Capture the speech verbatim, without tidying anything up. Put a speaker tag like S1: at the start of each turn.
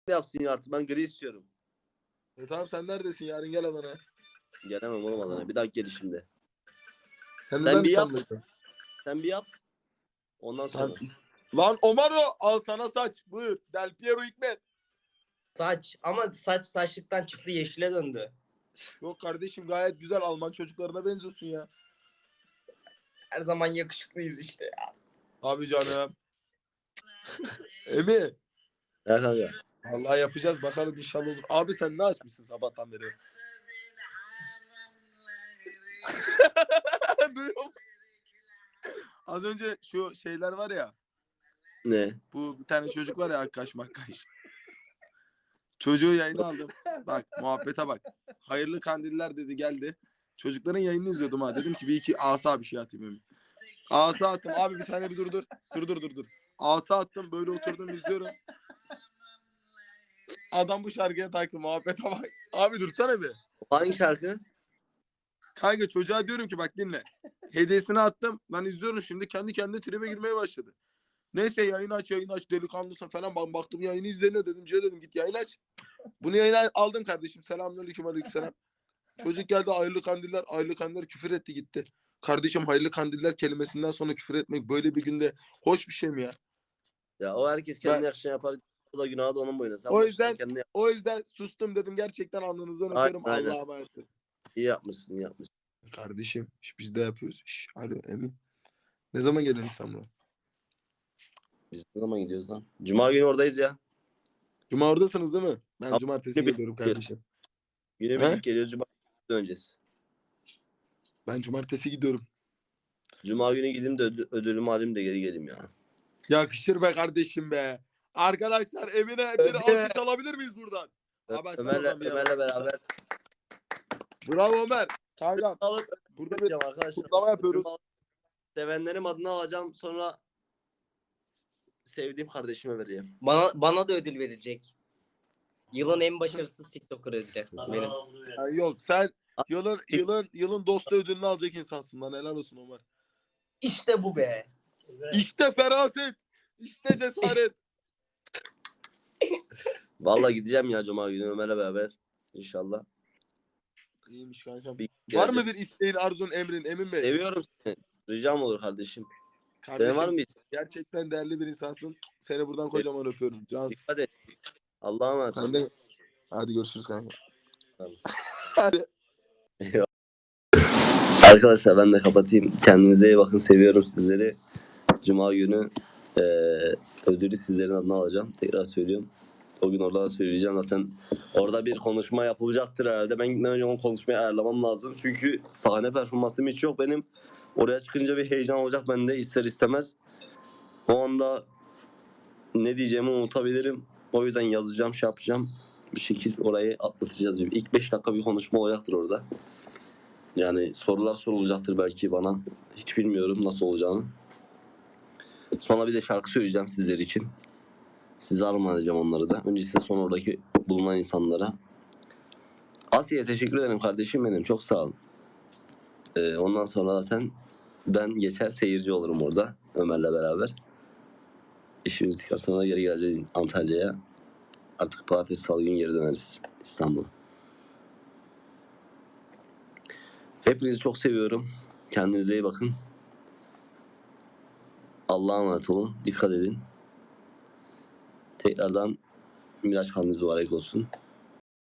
S1: yapsın ya artık. Ben gri istiyorum.
S2: E tamam sen neredesin? Yarın gel Adana'ya.
S1: Gelemem oğlum Adana'ya. Bir dakika gelişimde.
S2: Sen,
S1: Sen bir yap.
S2: İstanbul'da.
S1: Sen bir yap. Ondan sonra.
S2: Lan, lan Omaro al sana saç. Buyur. Del Piero Hikmet.
S3: Saç ama saç saçlıktan çıktı yeşile döndü.
S2: Yok kardeşim gayet güzel. Alman çocuklarına benziyorsun ya.
S3: Her zaman yakışıklıyız işte ya.
S2: Abi canım. Emi.
S1: Ya kanka.
S2: Vallahi yapacağız bakalım inşallah olur. Abi sen ne açmışsın sabahtan beri? Duyuyor musun? Az önce şu şeyler var ya.
S1: Ne?
S2: Bu bir tane çocuk var ya Akkaş Makkaş. Çocuğu yayına aldım. Bak muhabbete bak. Hayırlı kandiller dedi geldi. Çocukların yayını izliyordum ha. Dedim ki bir iki asa bir şey atayım Emi. Asa attım. Abi bir saniye bir dur dur. Dur dur dur dur. Asa attım böyle oturdum izliyorum. Adam bu şarkıya taktı muhabbete bak. Abi dursana bir.
S1: Hangi şarkı?
S2: Kanka çocuğa diyorum ki bak dinle. Hediyesini attım. Ben izliyorum şimdi kendi kendine tribe girmeye başladı. Neyse yayını aç yayını aç delikanlısın falan. Ben baktım yayını izleniyor dedim. Cihe dedim git yayını aç. Bunu yayına aldım kardeşim. Selamünaleyküm aleykümselam. Çocuk geldi hayırlı kandiller. Hayırlı kandiller küfür etti gitti. Kardeşim hayırlı kandiller kelimesinden sonra küfür etmek böyle bir günde hoş bir şey mi ya?
S1: Ya o herkes kendine
S2: Ben-
S1: yakışan yapar. O da günahı da onun boyuna. Sen
S2: O
S1: başla,
S2: yüzden-
S1: kendine yap.
S2: O yüzden sustum dedim gerçekten alnınızdan
S1: Aynen,
S2: öperim.
S1: aynen.
S2: Allah'a emanet.
S1: İyi yapmışsın, iyi yapmışsın.
S2: Kardeşim iş biz de yapıyoruz. İş. Alo Emin. Ne zaman geliyorsun İstanbul'a?
S1: Biz ne zaman gidiyoruz lan? Cuma günü oradayız ya.
S2: Cuma oradasınız değil mi? Ben
S1: Abi,
S2: cumartesi
S1: bir-
S2: geliyorum kardeşim.
S1: Güne
S2: He?
S1: birlik geliyoruz. Cuma günü döneceğiz.
S2: Ben cumartesi gidiyorum.
S1: Cuma günü gideyim de ödül, ödülümü alayım da geri geleyim ya.
S2: Yakışır be kardeşim be. Arkadaşlar Emine bir alkış alabilir miyiz buradan?
S1: Ö-
S2: Abi, sen
S1: Ömer'le,
S2: oradan bir
S1: Ömer'le
S2: yana.
S1: beraber.
S2: Bravo Ömer. Kankam
S1: Alıp
S2: burada bir
S1: ödüleceğim arkadaşlar.
S2: kutlama yapıyoruz.
S1: Ödülümü alıp Sevenlerim adına alacağım. Sonra sevdiğim kardeşime vereceğim.
S3: Bana bana da ödül verilecek. Yılın en başarısız TikToker ödülü benim.
S2: Ha, yok sen yılın yılın yılın dostu ödülünü alacak insansın lan helal olsun Ömer.
S3: İşte bu be.
S2: İşte feraset. İşte cesaret.
S1: Vallahi gideceğim ya Cuma günü Ömer'le beraber. İnşallah.
S2: İyiymiş kankam.
S1: Bir
S2: Var mı
S1: geleceğiz.
S2: bir isteğin, arzun, emrin Emin Bey?
S1: Seviyorum seni. Ricam olur kardeşim.
S2: Kardeşim,
S1: Senin var mı hiç?
S2: gerçekten değerli bir insansın. Seni buradan kocaman öpüyorum. Cansın.
S1: Dikkat et. Allah'a emanet.
S2: Sen de. Hadi görüşürüz kanka.
S1: Tamam.
S2: Hadi.
S1: Arkadaşlar ben de kapatayım. Kendinize iyi bakın. Seviyorum sizleri. Cuma günü eee ödülü sizlerin adına alacağım. Tekrar söylüyorum. O gün orada da söyleyeceğim. Zaten orada bir konuşma yapılacaktır herhalde. Ben gitmeden önce o konuşmayı ayarlamam lazım. Çünkü sahne performansım hiç yok benim. Oraya çıkınca bir heyecan olacak bende ister istemez. O anda ne diyeceğimi unutabilirim. O yüzden yazacağım, şey yapacağım. Bir şekilde orayı atlatacağız. İlk beş dakika bir konuşma olacaktır orada. Yani sorular sorulacaktır belki bana. Hiç bilmiyorum nasıl olacağını. Sonra bir de şarkı söyleyeceğim sizler için. Size armağan edeceğim onları da. Öncesinde son oradaki bulunan insanlara. Asya'ya teşekkür ederim kardeşim benim. Çok sağ olun. Ee, ondan sonra zaten ben geçer seyirci olurum orada. Ömer'le beraber. İşimiz bittikten sonra geri geleceğiz Antalya'ya. Artık pazartesi salı günü geri döneriz İstanbul'a. Hepinizi çok seviyorum. Kendinize iyi bakın. Allah'a emanet olun. Dikkat edin. Tekrardan Miraç kandiliniz mübarek olsun.